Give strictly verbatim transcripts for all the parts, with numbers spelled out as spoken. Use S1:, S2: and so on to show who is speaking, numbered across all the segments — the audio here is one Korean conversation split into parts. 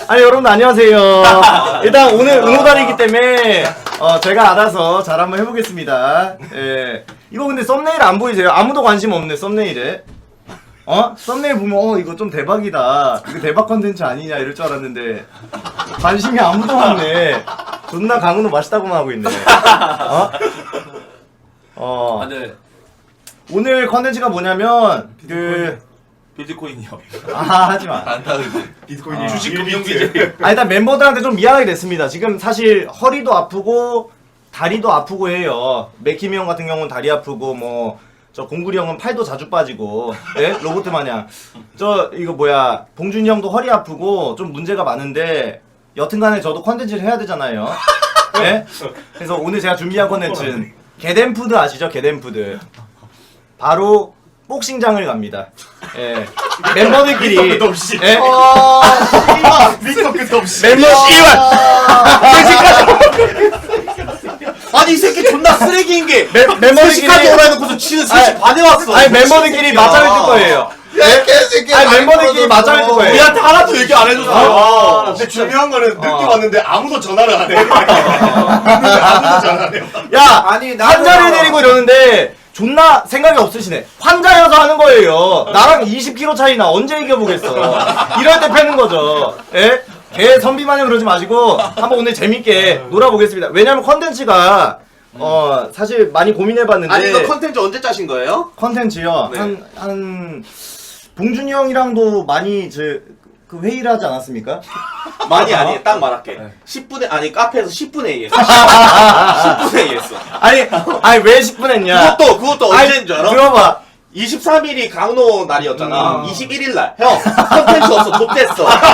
S1: 아니 여러분들 안녕하세요. 일단 오늘 응호달이기 때문에 어 제가 알아서 잘 한번 해보겠습니다. 예. 이거 근데 썸네일 안 보이세요? 아무도 관심 없네 썸네일에. 어? 썸네일 보면 어 이거 좀 대박이다. 이거 대박 컨텐츠 아니냐 이럴 줄 알았는데 관심이 아무도 없네. 존나 강은호 맛있다고만 하고 있네. 어? 어.
S2: 아, 네.
S1: 오늘 컨텐츠가 뭐냐면 그
S2: 비트코인이요.
S1: 아 하지마.
S2: 안타그지.
S3: 비트코인이
S1: 아.
S3: 주식
S2: 금융기재.
S1: 아 일단 멤버들한테 좀 미안하게 됐습니다. 지금 사실 허리도 아프고 다리도 아프고 해요. 맥키미 형 같은 경우는 다리 아프고 뭐 저 공구리 형은 팔도 자주 빠지고 예? 로봇 마냥 저 이거 뭐야 봉준이 형도 허리 아프고 좀 문제가 많은데 여튼간에 저도 컨텐츠를 해야 되잖아요. 예? 그래서 오늘 제가 준비한 컨텐츠는 게덴푸드 아시죠? 게덴푸드 바로 복싱장을 갑니다. 예. 멤버들끼리
S3: 끝도 없이.
S1: 예?
S3: 밑도 끝도 없이.
S1: 멤버 씨발
S4: 아니 이 새끼 존나 쓰레기인 게
S1: 멤버들끼리
S4: 스시까지 오라 해놓고서 지는 스시 반에 왔어.
S1: 아니 멤버들끼리 맞짱을 뜰 거예요.
S3: 야 개새끼.
S1: 아니 멤버들끼리 맞짱을 뜰 거예요.
S4: 우리한테 하나도 얘기 안 해줬어요.
S3: 아, 근데 중요한 거는 늦게
S1: 어.
S3: 왔는데 아무도 전화를 안 해. 아무도 전화 안 해.
S1: 야
S4: 아니, 나도-
S1: 환자를 데리고 이러는데 존나 생각이 없으시네. 환자여서 하는 거예요. 나랑 이십 킬로그램 차이나 언제 이겨보겠어. 이럴 때 패는 거죠. 예? 개 선비마냥 그러지 마시고 한번 오늘 재밌게 놀아보겠습니다. 왜냐면 컨텐츠가 어 사실 많이 고민해봤는데
S4: 아니 이거 컨텐츠 언제 짜신 거예요?
S1: 컨텐츠요.
S4: 네.
S1: 한, 한, 봉준이 형이랑도 많이 저, 그 회의를 하지 않았습니까?
S4: 많이 아니 딱 말할게. 십 분에 아니 카페에서 십 분에 얘기했어. 십 분에 얘기했어.
S1: 아니, 아니, 왜 십 분 했냐?
S4: 그것도 그것도
S1: 아니,
S4: 언제인 줄 알아?
S1: 들어봐.
S4: 이십삼 일이 강로 날이었잖아.
S1: 음.
S4: 이십일 일 날. 형, 컨텐츠 없어. 좆됐어.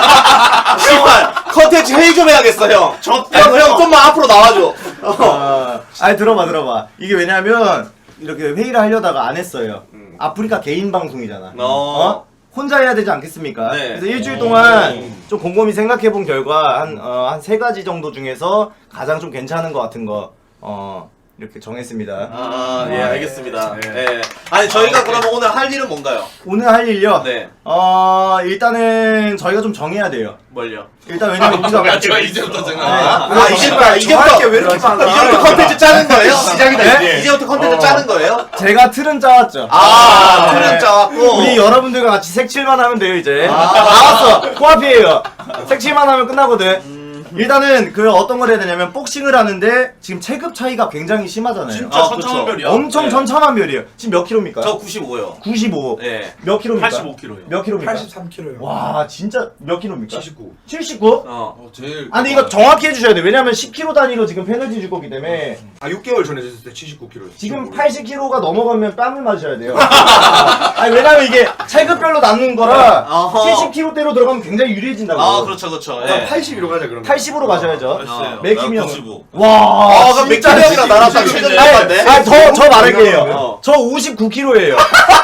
S4: 씨발, 컨텐츠 회의 좀 해야겠어, 형. 형, 형, 좀만 앞으로 나와줘. 어.
S1: 어, 아니, 들어봐, 들어봐. 이게 왜냐면, 이렇게 회의를 하려다가 안 했어요.
S4: 음.
S1: 아프리카 개인 방송이잖아.
S4: 어.
S1: 어? 혼자 해야 되지 않겠습니까?
S4: 네.
S1: 그래서 일주일 동안 좀 곰곰이 생각해 본 결과, 한, 어, 한 세 가지 정도 중에서 가장 좀 괜찮은 것 같은 거, 어, 이렇게 정했습니다.
S4: 아, 예, 알겠습니다.
S3: 네.
S4: 예. 아니, 저희가 그러면 오늘 할 일은 뭔가요?
S1: 오늘 할 일요?
S4: 네.
S1: 어, 일단은 저희가 좀 정해야 돼요.
S4: 뭘요?
S1: 일단 왜냐면 우리가
S2: 제가 이제부터
S1: 네.
S2: 생각.
S4: 아, 이제부터, 이제부터,
S1: 왜 이렇게 빨라?
S4: 이제부터 컨텐츠 짜는 거예요?
S3: 시작이다,
S1: 네?
S3: 이제.
S4: 이제부터 컨텐츠
S1: 어.
S4: 짜는 거예요?
S1: 제가 틀은 짜왔죠.
S4: 아,
S1: 네.
S4: 틀은 짜왔고.
S1: 우리 여러분들과 같이 색칠만 하면 돼요 이제.
S4: 아.
S1: 나왔어. 코앞이에요. 색칠만 하면 끝나거든. 일단은 그 어떤 걸 해야 되냐면 복싱을 하는데 지금 체급 차이가 굉장히 심하잖아요.
S2: 진짜
S4: 아,
S2: 천차만별이야.
S1: 엄청
S4: 네.
S1: 천차만별이에요. 지금 몇 킬로입니까?
S4: 저 구십오요.
S1: 구십오.
S4: 예.
S1: 몇 킬로입니까?
S2: 팔십오 킬로예요.
S1: 몇 킬로입니까?
S3: 팔십삼 킬로요.
S1: 와 진짜 몇 킬로입니까?
S3: 칠십구.
S1: 칠십구?
S4: 어.
S2: 어, 제일.
S1: 아 근데 이거 정확히 해주셔야 돼. 왜냐면 십 킬로그램 단위로 지금 페널티 줄 거기 때문에
S3: 아 육 개월 전에 쟀을 때 칠십구 킬로요.
S1: 지금 팔십 킬로그램가 넘어가면 뺨을 맞으셔야 돼요. 아니 왜냐면 이게 체급별로 나누는 거라
S4: 어허.
S1: 칠십 킬로그램대로 들어가면 굉장히 유리해진다고.
S4: 아, 그렇죠, 그렇죠.
S3: 자,
S4: 예.
S3: 팔십으로 가자 그러면.
S1: 팔십으로 가셔야죠.
S2: 어.
S1: 맥힘이 형.
S2: 구십오.
S1: 와.
S4: 아, 그럼
S1: 진짜
S4: 맥주 형이랑 나랑 딱
S2: 진짜
S4: 최저인
S1: 아니,
S4: 것 같네.
S1: 아니 저, 저 말할게요.
S4: 어.
S1: 저 오십구 킬로그램예요.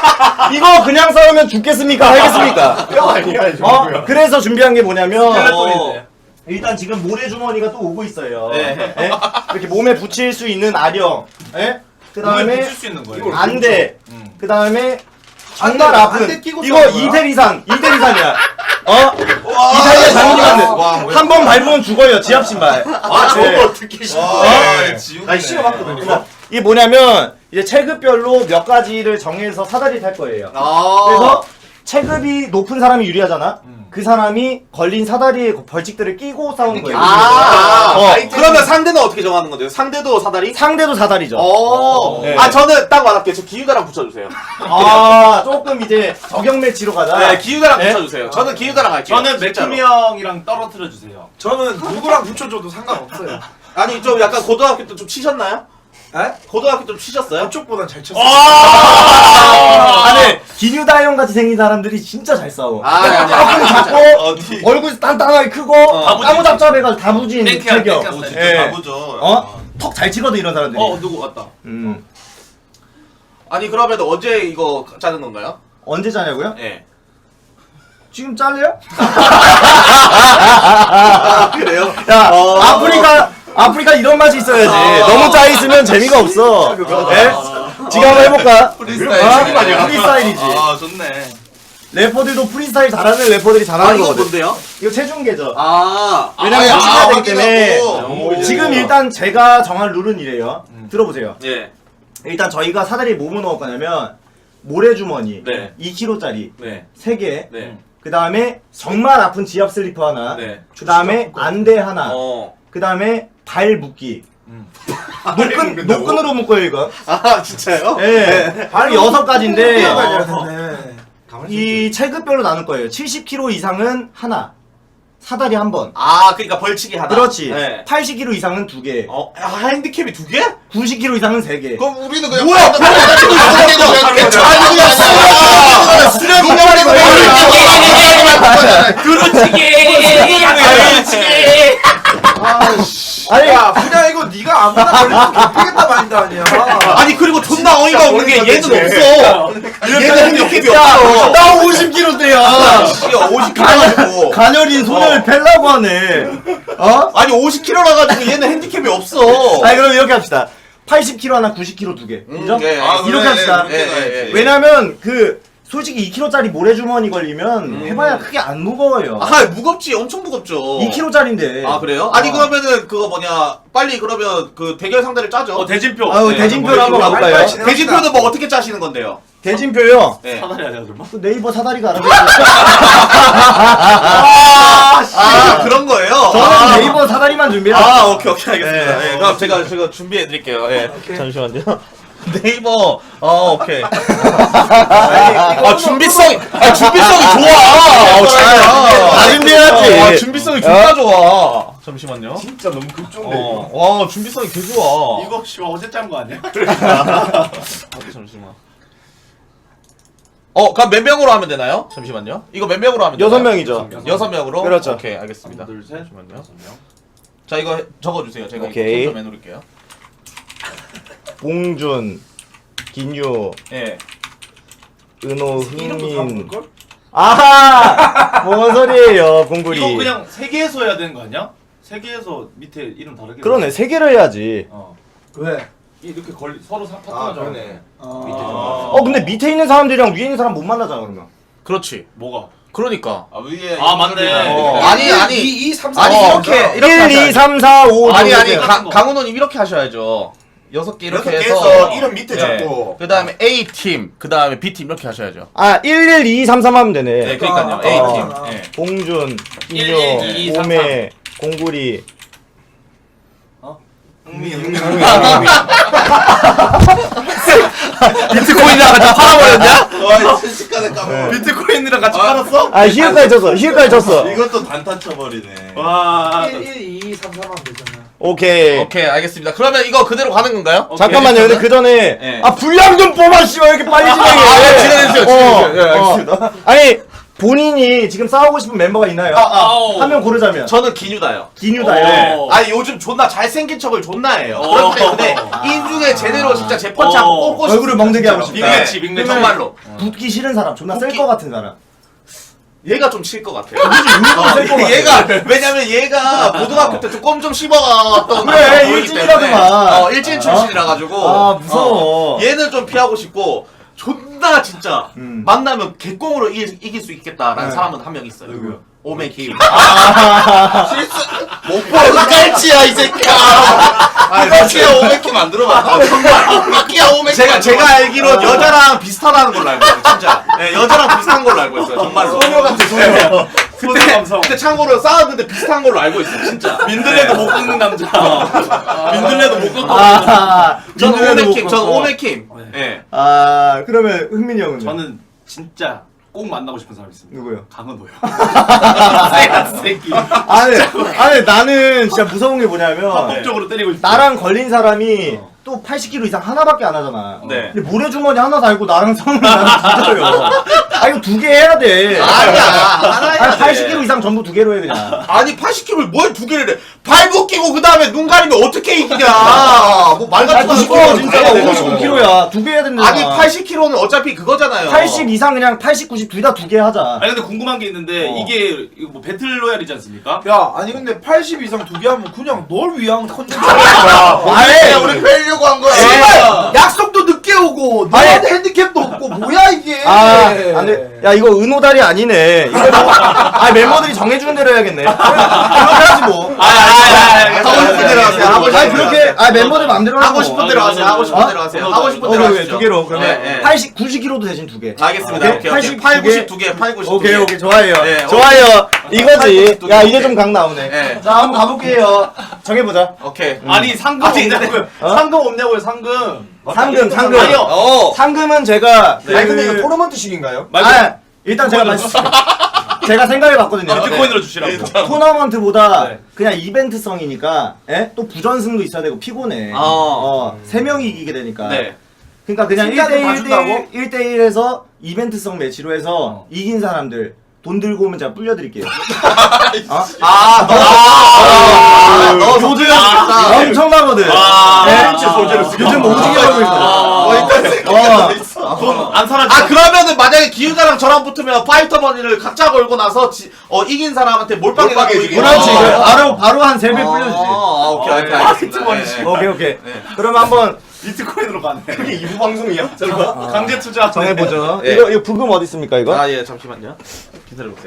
S1: 이거 그냥 싸우면 죽겠습니까? 알겠습니까?
S3: 뼈 아니야 이
S1: 어?
S3: 정도야.
S1: 그래서 준비한 게 뭐냐면
S4: 어.
S1: 일단 지금 모래주머니가 또 오고 있어요.
S4: 네.
S1: 예? 이렇게 몸에 붙일 수 있는 아령. 예? 그
S2: 몸에
S1: 다음에
S2: 붙일 수 있는 거예요.
S3: 이걸
S1: 안대.
S2: 음.
S1: 그 다음에 정말
S3: 안대,
S1: 아픈
S3: 안대 끼고
S1: 이거
S3: 싸우는 거야?
S1: 이텔 이상 이텔 이상이야. 어? 이탈리아
S2: 와,
S1: 장님한테
S2: 뭐야.
S1: 한 번 밟으면 죽어요. 지압 신발.
S4: 아, 저거
S1: 네.
S4: 어떻게 신고.
S2: 와,
S1: 어?
S2: 지우네.
S3: 아니 신어봤거든요.
S1: 이게 뭐냐면 이제 체급별로 몇 가지를 정해서 사다리 탈 거예요.
S4: 아.
S1: 그래서 체급이 높은 사람이 유리하잖아.
S2: 음.
S1: 그 사람이 걸린 사다리에 벌칙들을 끼고 싸우는 거예요.
S4: 아, 아,
S1: 어.
S4: 그러면 상대는 어떻게 정하는 건데요? 상대도 사다리?
S1: 상대도 사다리죠.
S4: 어.
S1: 네.
S4: 아, 저는 딱 말할게요. 저 기우다랑 붙여주세요.
S1: 아 조금 이제 저격 매치로 가자.
S4: 네, 기우다랑
S1: 네?
S4: 붙여주세요. 저는 기우다랑 할게요.
S2: 저는
S4: 진짜로.
S2: 맥킴이 형이랑 떨어뜨려 주세요.
S3: 저는 누구랑 붙여줘도 상관없어요.
S4: 아니, 좀 약간 고등학교 때 좀 치셨나요?
S3: 에?
S4: 고등학교 좀 치셨어요?
S3: 저쪽보단 잘 쳤어요.
S1: 아, 네. 기뉴다 형 같이 생긴 사람들이 진짜 잘 싸워.
S4: 아, 아니, 아니,
S1: 얼굴
S4: 아니,
S1: 작고
S2: 어디?
S1: 얼굴 단단하게 크고
S4: 어.
S1: 까무잡잡해가지고 다부진
S2: 땡큐야,
S1: 체격.
S2: 땡큐야.
S3: 어,
S2: 진짜
S1: 예.
S2: 바보죠.
S1: 어? 턱 잘 치거든 이런 사람들이.
S2: 어, 누구 왔다.
S1: 음.
S4: 아니, 그러면 언제 이거 짜는 건가요?
S1: 언제 자냐고요?
S4: 예.
S1: 지금 잘래요?
S4: 아, 그래요?
S1: 야,
S4: 어.
S1: 아프리카, 아프리카 이런 맛이 있어야지.
S4: 어.
S1: 너무 짜 있으면 재미가 없어. 예? 지금 한번 해볼까?
S2: 프리스타일.
S1: 어?
S3: 책임 아니야.
S1: 프리스타일이지.
S2: 아, 좋네.
S1: 래퍼들도 프리스타일 잘하는 래퍼들이
S4: 아
S1: 잘하는
S4: 이거
S1: 거거든.
S4: 뭔데요?
S1: 이거 체중계죠.
S4: 아
S1: 왜냐면
S3: 아,
S1: 맞춰야 되기
S3: 아,
S1: 때문에
S3: 확인하고.
S1: 지금 일단 제가 정한 룰은 이래요. 들어보세요.
S4: 예.
S1: 일단 저희가 사다리에 뭐뭐 넣을 거냐면 모래주머니
S2: 네.
S1: 이 킬로그램짜리
S2: 네.
S1: 세 개.
S2: 네.
S1: 그 다음에 정말 아픈 지압 슬리퍼 하나.
S2: 네.
S1: 그 다음에 안대 하나.
S4: 어.
S1: 그 다음에 발 묶기.
S2: 음.
S1: 노끈, 노끈으로 묶어요 이거.
S4: 아 진짜요?
S1: 예. 발 여섯 가지인데
S3: 어.
S1: 이 체급별로 나눌 거예요. 칠십 킬로그램 이상은 하나. 사다리 한 번.
S4: 아 그러니까 벌칙이 하나.
S1: 그렇지.
S4: 네.
S1: 팔십 킬로그램 이상은 두 개.
S4: 어 아, 핸디캡이 두 개?
S1: 구십 킬로그램 이상은 세 개.
S3: 그럼 우리는 그냥
S4: 뭐야?
S3: 바로 가지고 여섯 개도 그냥 그냥
S4: 아니 그냥 쓰레기 쓰레기
S3: 농담하는
S1: 아니
S5: 야 그냥 이거 네가 아무나 걸리면 개피겠다 마인드 아니야.
S4: 아니 그리고 존나 어이가 없는 게 얘는 없어. 얘는 핸디캡이
S1: 야,
S4: 없어.
S1: 나 오십 킬로그램대야.
S4: 야 오십 킬로 가지고.
S1: 가녀린 손을 펠라고 하네. 어?
S4: 아니 오십 킬로라 가지고 얘는 핸디캡이 없어.
S1: 아니 그럼 이렇게 합시다. 팔십 킬로그램 하나 구십 킬로그램 두 개. 인정?
S4: 예, 예.
S3: 아,
S1: 이렇게
S3: 그래,
S1: 합시다.
S3: 그렇게 가야지.
S1: 왜냐면 그 솔직히 이 킬로그램짜리 모래주머니 걸리면 해봐야 크게 안 무거워요.
S4: 아 무겁지 엄청 무겁죠.
S1: 이 킬로그램짜리인데.
S4: 아 그래요? 아니 그러면은 그거 뭐냐 빨리 그러면 그 대결 상대를 짜죠.
S2: 어 대진표.
S1: 아유
S2: 네,
S1: 대진표를 한번
S2: 한번
S1: 가볼까요?
S3: 빨리
S4: 대진표는 뭐 어떻게 짜시는 건데요?
S1: 대진표요.
S4: 네.
S2: 사다리 아니야 설마?
S1: 그 네이버 사다리가 알아서.
S4: 아, 씨,
S1: 아.
S4: 그런 거예요?
S1: 저는
S4: 아.
S1: 네이버 사다리만 준비해.
S4: 아 오케이 오케이 알겠습니다.
S1: 네.
S4: 예, 그럼 제가 제가 준비해 드릴게요. 예. 잠시만요. 네이버 어 오케이. 아 준비성이 아 준비성이 좋아. 아, 진짜.
S1: 다 준비해야지.
S4: 아, 준비성이 진짜 좋아. 잠시만요.
S3: 진짜 너무 급종돼.
S4: 어, 와 준비성이 개 좋아.
S2: 이거 씨발 어제 짠 거 아니야?
S4: 아, 잠시만. 어, 그럼 몇 명으로 하면 되나요? 잠시만요. 이거 몇 명으로 하면 되나요?
S1: 여섯 명이죠.
S4: 여섯 명으로?
S1: 그렇죠.
S4: 오케이, 알겠습니다.
S2: 하나, 둘, 셋.
S4: 잠시만요. 자, 이거 해- 적어주세요. 제가
S1: 오케이.
S4: 이거 좀 해놓을게요.
S1: 봉준, 김유,
S4: 예.
S1: 은호,
S5: 이름도 다
S1: 흥민.
S5: 모를걸?
S1: 아하! 뭔 소리예요, 봉구리.
S2: 이거 그냥 세 개에서 해야 되는 거 아니야? 세 개에서 밑에 이름 다르게.
S1: 그러네, 세 개를 해야지.
S2: 어.
S5: 왜?
S2: 이렇게 걸리 서로 사 파트너
S3: 아
S2: 정
S3: 그러네.
S2: 밑에 좀.
S1: 어, 근데 밑에 있는 사람들이랑 위에 있는 사람 못 만나잖아, 그러면.
S4: 그렇지.
S2: 뭐가?
S4: 그러니까.
S3: 아 위에
S2: 아, 맞네.
S1: 어.
S4: 아니, 아니.
S5: 이, 이, 삼, 사.
S4: 아니,
S5: 어,
S4: 이렇게, 이렇게
S1: 일,
S4: 하셔야죠.
S1: 이, 삼, 사, 오,
S4: 아니, 아니,
S1: 이렇게.
S4: 가, 강훈호님 이렇게 하셔야죠. 여섯 개 이렇게
S3: 여섯
S4: 해서.
S3: 개에서 이름 밑에 잡고.
S4: 그 다음에 A팀, 그 다음에 B팀 이렇게 하셔야죠.
S1: 아, 일, 일, 이, 삼, 삼 하면 되네.
S4: 네, 그러니까요.
S5: 아,
S4: A팀.
S5: 아, 아.
S4: 예.
S1: 봉준,
S2: 일, 일, 이,
S1: 김유,
S2: 삼,
S1: 오메, 공구리.
S4: 비트코인이랑 같이 팔아버렸냐?
S3: 와 순식간에 까먹어.
S2: 비트코인이랑 같이 팔았어?
S1: 아, 히읗까지 쳤어, 히읗까지 쳤어.
S3: 이것도 단타 쳐버리네.
S2: 와.
S5: 일, 일, 이, 삼, 삼 하면 되잖아.
S1: 오케이.
S4: 오케이, 알겠습니다. 그러면 이거 그대로 가는 건가요?
S1: 잠깐만요, 근데 그 전에.
S4: 네.
S1: 아, 분량 좀 뽑아, 씨발, 이렇게 빨리 진행해.
S4: 아, 네, 진행해주세요, 진행해주세요. 예,
S1: 어.
S4: 알겠습니다.
S1: 아니, 본인이 지금 싸우고 싶은 멤버가 있나요?
S2: 아우.
S1: 한 명 고르자면.
S4: 저는 기뉴다요.
S1: 기뉴다요.
S2: 네.
S4: 아니 요즘 존나 잘생긴 척을 존나 해요.
S2: 어.
S4: 그렇기 때문에 인중에 제대로 진짜 제 펀치 한번
S2: 어.
S4: 꽂고 싶어요.
S1: 얼굴을 멍들게 하고 싶다.
S2: 빅매치, 빅매치.
S4: 정말로.
S1: 붙기 싫은 사람, 존나 셀
S4: 붙기-
S1: 것 같은 사람.
S4: 얘가 좀 칠 것 같아요.
S1: 어, 셀것 같아.
S4: 얘가 왜냐면 얘가 고등학교 때 좀 껌 좀 씹어갔던
S1: 그래,
S4: 거기 때문에.
S1: 일진이라더만.
S4: 어 일진 출신이라 가지고
S1: 아, 무서워.
S4: 어, 얘는 좀 피하고 싶고 존나 진짜
S1: 음.
S4: 만나면 개꽁으로 이길, 이길 수 있겠다라는
S1: 네.
S4: 사람은 한 명 있어요.
S1: 누구요?
S4: 오메 김.
S3: 실수 못 보는 깔치야 이 새끼야. 이거치야 오메키 만들어봐. 정말 이끼야 오메키.
S4: 제가 제가 알기로 여자랑 비슷하다는 걸로 알고 있어요. 진짜. 네, 여자랑 비슷한 걸로 알고 있어요. 정말로.
S1: 소녀 같아, 소녀.
S4: 네.
S2: 소녀
S4: 그때
S2: 감성.
S4: 그때 참고로 싸웠는데 비슷한 걸로 알고 있어요. 진짜.
S2: 민들레도 못 꺾는 남자. 민들레도 못 꺾고.
S1: 아,
S4: 저는
S1: 민들레도
S4: 오메킴.
S1: 못
S4: 저는
S1: 꺾고.
S4: 오메킴. 예.
S1: 아, 그러면 흥민이 형은?
S2: 저는 진짜 꼭 만나고 싶은 사람 있습니다.
S1: 누구요?
S2: 강은호요. 쎄한 새끼.
S1: 아니, 아니, 나는 진짜 무서운 게 뭐냐면.
S2: 합법적으로 때리고 싶어.
S1: 나랑 걸린 사람이
S2: 어.
S1: 또 팔십 킬로그램 이상 하나밖에 안 하잖아.
S4: 네.
S1: 근데 모래주머니 하나 달고 나랑 싸우면 나는 뒤져요. 아, 이거 두 개 해야 돼.
S4: 아니야. 하나 해야
S1: 아니,
S4: 돼.
S1: 팔십 킬로그램 이상 전부 두 개로 해, 그냥.
S4: 아니 팔십 킬로그램을 뭘 두 개를 해? 발 벗기고 그 다음에 눈 가리면 어떻게 이기냐? 뭐말
S1: 아,
S4: 같은 거
S1: 이거
S4: 하는
S1: 진짜
S4: 거야.
S1: 오십오 킬로그램야. 두 개 해야 된다.
S4: 아니 팔십 킬로그램는 어차피 그거잖아요.
S1: 팔십 이상 그냥 팔십, 구십 둘 다 두 개 하자.
S2: 아니 근데 궁금한 게 있는데
S1: 어.
S2: 이게 이거 뭐 배틀로얄이지 않습니까?
S5: 야, 아니 근데 팔십 이상 두 개 하면 그냥 널 위한 컨텐츠.
S1: 아예
S3: 우리 빼려고 한 거야.
S5: 씨발! 약속도 늦게 늦게 오고 너한테 핸디캡도 없고 뭐야 이게.
S1: 아, 안 돼. 야, 이거 은호다리 아니네. 이거 뭐, 아, 멤버들이 정해주는 대로 해야겠네. 그렇게 하지 뭐.
S3: 하고 싶은 대로 하세요. 하고
S1: 아니, 그렇게, 아, 멤버들 맘대로
S3: 하고
S1: 하고
S3: 싶은 대로 하세요. 하고 싶은 대로 하세요. 하고 싶은 대로
S1: 오케이,
S3: 하시죠.
S1: 두 개로. 그러면
S3: 네, 네.
S1: 팔십, 구십 킬로그램도 대신 두 개.
S3: 알겠습니다.
S1: 오케이?
S3: 오케이, 오케이.
S1: 팔십,
S3: 팔,
S1: 두 개.
S3: 구십 두 개, 팔, 구십 두 개.
S1: 오케이, 오케이. 좋아요.
S3: 네,
S1: 좋아요. 이거지.
S3: 팔, 구십
S1: 야,
S3: 두
S1: 이제
S3: 개.
S1: 좀 각 나오네.
S3: 네.
S1: 자, 한번 가볼게요. 정해보자.
S3: 오케이.
S2: 아니 상금
S3: 아직
S2: 없냐고요?
S1: 어?
S2: 상금 없냐고요? 상금.
S1: 상금, 상금.
S2: 아니요.
S3: 어.
S1: 상금은 제가. 그...
S5: 아니 근데 이거 토너먼트식인가요?
S1: 아, 일단 제가 말씀. 제가 생각해봤거든요.
S2: 비트코인으로 주시라고.
S1: 토너먼트보다
S2: 네.
S1: 그냥 이벤트성이니까 예? 또 부전승도 있어야 되고 피곤해.
S3: 어.
S1: 어, 세 명이 이기게 되니까.
S3: 네.
S1: 그러니까 그냥
S5: 승자들 다
S1: 일 대 일,
S5: 준다고?
S1: 일 대 일에서 이벤트성 매치로 해서 이긴 사람들 돈 들고 오면 제가 불려드릴게요. 어?
S3: 아, 너. 아, 너
S1: 요즘
S3: 아,
S1: 엄청나거든.
S2: 아,
S1: 네?
S2: 벤치 소재로 쓰기.
S1: 요즘 오지게 벌고 있어.
S3: 어,
S1: 어.
S2: 돈안 사라져.
S3: 아 그러면은 만약에 기우자랑 저랑 붙으면 파이터 머니를 각자 걸고 나서 지, 어 이긴 사람한테 몰빵해 가지고 이기는
S1: 그렇지.
S3: 거.
S1: 그래. 바로 바로 한 세 배 불려주지.
S3: 아, 오케이, 오케이, 알겠습니다. 네.
S1: 오케이 오케이.
S3: 네.
S1: 그럼 한번
S2: 비트코인으로 가네.
S3: 그게 이 부 방송이야?
S2: 어, 강제 투자.
S1: 정해보죠.
S3: 네.
S1: 이거 이거 부금 어디 있습니까 이거?
S3: 아, 예, 잠시만요. 기다려보세요.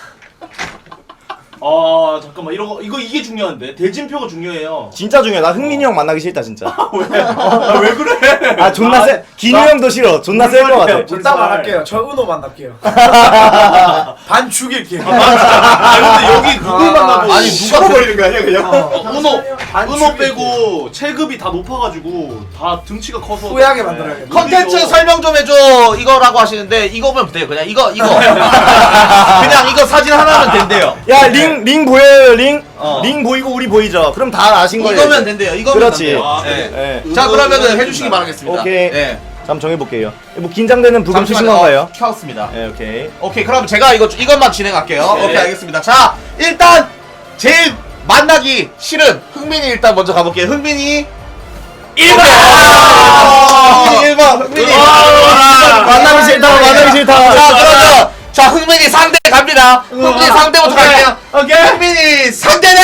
S2: 아 잠깐만 이거 이거 이게 중요한데 대진표가 중요해요.
S1: 진짜 중요해. 나 흥민이 형 만나기 싫다 진짜.
S2: 왜? 아, 왜 그래?
S1: 아 존나 세. 기뉴 형도 싫어. 존나 셀 것 같아.
S5: 일단 말할게요. 저 은호 만날게요. 반 죽일게요.
S2: 아 근데 여기 누굴 만나고
S3: 아니, 누가
S2: 버리는 거 아니야 그냥?
S5: 어.
S2: 은호
S5: 반
S2: 은호
S5: 죽일게요.
S2: 빼고 체급이 다 높아가지고 다 등치가 커서
S5: 후회하게 만들어야겠네.
S3: 컨텐츠 설명 좀 해줘 이거라고 하시는데 이거면 돼요. 그냥 이거 이거 그냥 이거 사진 하나면 된대요.
S1: 야 링 링 보여요 링?
S3: 어.
S1: 링 보이고 우리 보이죠? 그럼 다 아신 거예요.
S3: 이거면 된대요. 이거면
S1: 그렇지.
S3: 된대요.
S2: 아,
S3: 네.
S1: 예.
S3: 자 그러면은 해주시기 바라겠습니다.
S1: 오케이.
S3: 네.
S1: 자, 한번 정해볼게요. 뭐 긴장되는 부금 치신
S3: 잠시만요.
S1: 건가요?
S3: 어, 켰습니다.
S1: 네, 오케이.
S3: 오케이 그럼 제가 이거 이것만 진행할게요.
S2: 네.
S3: 오케이 알겠습니다. 자 일단 제일 만나기 싫은 흥민이 일단 먼저 가볼게요. 흥민이 일 번. 흥민이 일 번. 흥민이.
S1: 만나기 싫다, 만나기 싫다.
S3: 자 그러면 자 흥민이 상대 갑니다. 흥민이 상대부터 갈게요. 오케이. 흥민이 상대는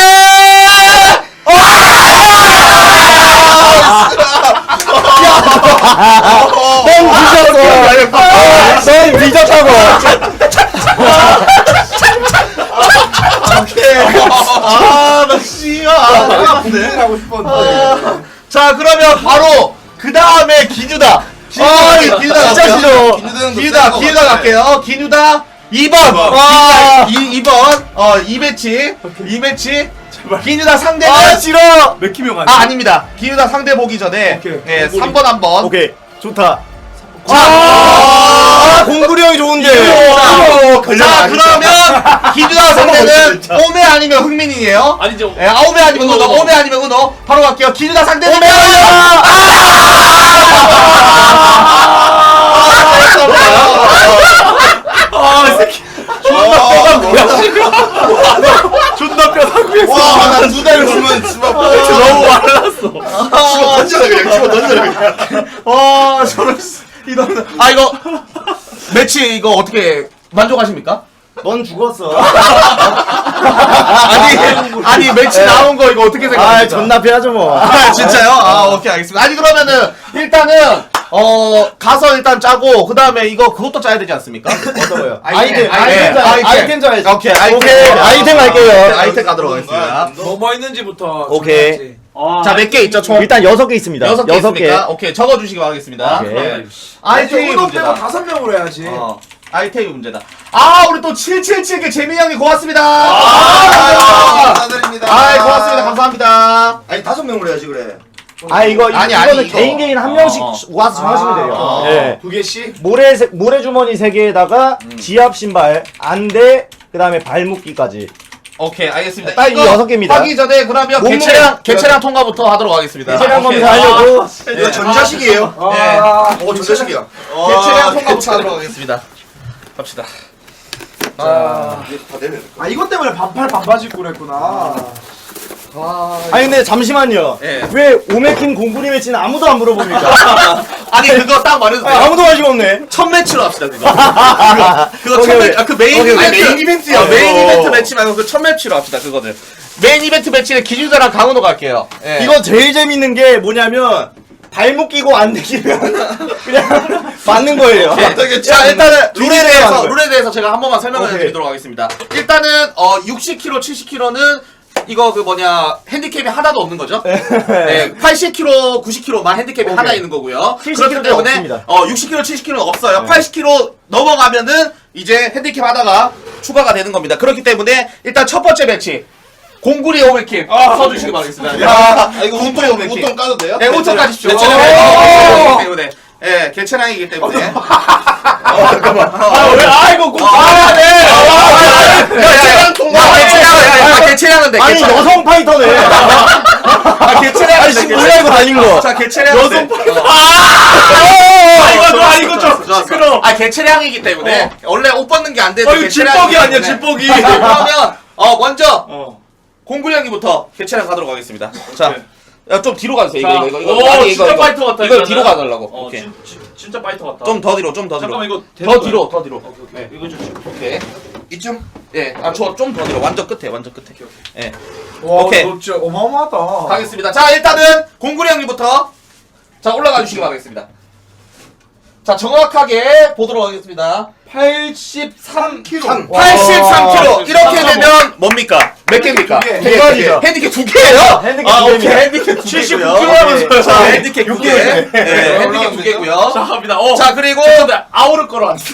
S1: 넌 뒤졌어. 넌 뒤졌다고.
S3: 아나 씨야. 내가 아픈데.
S5: 하고 싶었는데.
S3: 자 그러면 바로 그 다음에 기뉴다. 아 기뉴다
S1: 진짜 싫어.
S3: 기뉴다 기뉴다 갈게요. 기뉴다 이 번.
S1: 와.
S3: 이 번. 어 이 매치. 이 매치. 기뉴다 상대는
S1: 아 싫어.
S2: 맥히명
S3: 아
S2: 아니야?
S3: 아닙니다. 기뉴다 상대 보기 전에
S5: 오케이.
S3: 예, 삼 번 한 번.
S1: 오케이 좋다.
S3: 자,
S1: 아 공구리 형이 좋은데.
S3: 자 그러면 기뉴다 상대는 오메 아니면 흥민이에요.
S2: 아니죠.
S3: 예, 아, 오메 아니면 은호, 오메 아니면 은호. 바로 갈게요. 기뉴다 상대는
S1: 오메 아니야.
S2: 아이 새끼. 존나 뼈다구야.
S3: 와, 나 두 달 주면 집어
S2: 너무 말랐어.
S3: 집어 던져라 그냥 집어 던져라 그냥. 와, 저런 이런. 아 이거 매치 이거 어떻게 만족하십니까?
S1: 넌 죽었어.
S3: 아니 아니 매치 나온 거 이거 어떻게
S1: 아
S3: 생각하십니까?
S1: 존나 패하죠 뭐.
S3: 아 진짜요? 아 오케이 알겠습니다. 아니 그러면은 일단은 어 가서 일단 짜고 그 다음에 이거 그것도 짜야 되지 않습니까?
S1: 어떤 거요?
S3: 아이템,
S1: 아이템 짜-
S3: 아이템.
S1: 아이템 짜야지.
S3: 오케이 아이템
S1: 오케이, 아이템 갈게요.
S3: 아이템 가도록 하겠습니다.
S5: 뭐뭐 있는지부터.
S1: 오케이.
S5: 정해야지.
S2: 아,
S3: 자 몇 개 있죠 총?
S1: 일단 여섯 개 있습니다.
S3: 여섯 개
S1: 여섯 개.
S3: 있습니까? 오케이 적어주시기 바라겠습니다.
S1: 오케이.
S3: 네.
S5: 아니 저
S3: 아이템이
S5: 은호 빼고
S3: 문제다.
S5: 다섯 명으로 해야지.
S3: 어, 아이템이 문제다. 아 우리 또 칠칠칠 개 재민이 형님 고맙습니다.
S4: 아, 감사드립니다.
S3: 아이 고맙습니다. 감사합니다.
S4: 아니 다섯 명으로 해야지 그래.
S1: 아 이거
S3: 아니,
S1: 이거는
S3: 아니, 이거.
S1: 개인 개인 한
S3: 어,
S1: 명씩
S3: 어.
S1: 와서 정하시면 돼요.
S3: 어.
S1: 예.
S5: 두 개씩.
S1: 모래 세- 모래 주머니 세 개에다가
S3: 음.
S1: 지압 신발, 안대, 그다음에 발묶기까지.
S3: 오케이 알겠습니다.
S1: 딱 이
S3: 이거
S1: 여섯 개입니다.
S3: 하기 전에 그러면
S1: 몸무게.
S3: 개체량 개체량 통과부터 하도록 하겠습니다.
S1: 대체량
S3: 오케이.
S1: 검사하려고
S4: 이거 전자식이에요.
S3: 네.
S5: 아,
S4: 어 전자식이야.
S3: 개체량 통과부터 하도록 하겠습니다. 갑시다.
S5: 아,
S4: 이게 다 되네.
S5: 아 이것 때문에 반팔 반바지 입고 그랬구나.
S1: 아니 근데 잠시만요.
S3: 예.
S1: 왜 오메킨 공구리 매치는 아무도 안 물어봅니까?
S3: 아니 그거 딱 말해도 돼요.
S1: 아, 아무도 관심 없네.
S3: 첫 매치로 합시다 그거. 그거, 그거 첫
S1: 오케이,
S3: 매치. 아, 그 메인
S1: 오케이,
S3: 이벤트.
S1: 오케이.
S3: 메인 이벤트야.
S1: 어,
S3: 메인
S1: 어.
S3: 이벤트 매치 말고 그 첫 매치로 합시다 그거를. 메인 이벤트 매치는 기준자랑 강은호 갈게요. 예.
S1: 이거 제일 재밌는 게 뭐냐면 발목 끼고 안 되기면 그냥 맞는 거예요.
S3: 네. 자 일단은 룰에
S1: 룰에
S3: 대해서
S1: 대해서
S3: 룰에 대해서 제가 한 번만 설명을
S1: 오케이.
S3: 드리도록 하겠습니다. 일단은 어 육십 킬로그램, 칠십 킬로그램은 이거 그 뭐냐 핸디캡이 하나도 없는 거죠? 네, 팔십 킬로그램, 구십 킬로그램만 핸디캡이
S1: 오케이.
S3: 하나 있는 거고요.
S1: 칠십
S3: 그렇기
S1: 킬로그램
S3: 때문에
S1: 없습니다.
S3: 어 육십 킬로그램, 칠십 킬로그램 없어요.
S1: 네.
S3: 팔십 킬로그램 넘어가면은 이제 핸디캡 하나가 추가가 되는 겁니다. 그렇기 때문에 일단 첫 번째 배치 공구리 오메킴 써주시기 바라겠습니다.
S4: 야, 아, 이거
S3: 공구리
S4: 우통,
S3: 오메킴.
S4: 우통 까도 돼요?
S3: 네, 우통 까십시오.
S4: 개체량.
S3: 개체량이기 때문에. 예, 개체량이기 때문에.
S1: 아, 왜? 아이고, 꼭
S3: 아, 네.
S4: 개체량 통과.
S3: 야, 개체량, 야, 개체량은 돼.
S1: 아니,
S3: 개체량.
S1: 여성 파이터네.
S3: 아, 개체량은
S1: 아니,
S3: 돼.
S1: 지금 뭐야, 이거 달린 거.
S3: 자, 개체량은
S1: 여성
S3: 돼.
S1: 파이터.
S3: 어.
S1: 아, 이거 좀, 아, 이거 좀.
S3: 좋았어.
S1: 시끄러워.
S3: 아, 개체량이기 때문에. 원래 옷 벗는 게 안 되는데.
S2: 어, 이거 질퍽이 아니야, 질퍽이.
S3: 그러면, 어, 먼저,
S2: 어.
S3: 공구령이부터 개체량 가도록 하겠습니다. 자. 야, 좀 뒤로 가주세요.
S2: 자,
S3: 이거, 이거, 이거.
S2: 오,
S3: 아니,
S2: 진짜 파이터 같다,
S3: 이걸
S2: 일단은.
S3: 뒤로 가달라고.
S2: 어,
S3: 오케이.
S2: 진, 진, 진짜 파이터 같다.
S3: 좀 더 뒤로, 좀 더 뒤로.
S2: 잠깐만 이거
S3: 더 뒤로, 더 뒤로.
S2: 오케이, 오케이. 이거 좀
S3: 오케이. 이쯤? 예. 아, 저 좀 더 뒤로. 완전 끝에, 완전 끝에. 예.
S5: 와,
S3: 오케이.
S5: 너 진짜 어마어마하다.
S3: 가겠습니다. 자, 일단은 공구리 형님부터 자, 올라가 주시기 바라겠습니다. 자, 정확하게 보도록 하겠습니다.
S5: 팔십삼 킬로그램.
S3: 팔십삼 킬로그램. 이렇게
S2: 삼십삼.
S3: 되면 뭡니까? 몇 개입니까?
S5: 두 개.
S3: 두 개,
S1: 개가지죠.
S3: 두 개. 핸디캡 두 개예요?
S1: 핸디캡
S3: 아,
S1: 두
S3: 오케이.
S1: 개입니다.
S3: 핸디캡 두
S2: 칠십구
S3: 개고요.
S2: 킬로그램
S3: 자, 핸디캡 두 개. 네, 핸디캡 두 개고요.
S2: 자, 갑니다. 어.
S3: 자, 그리고
S2: 근데 아우를 걸어 안 써.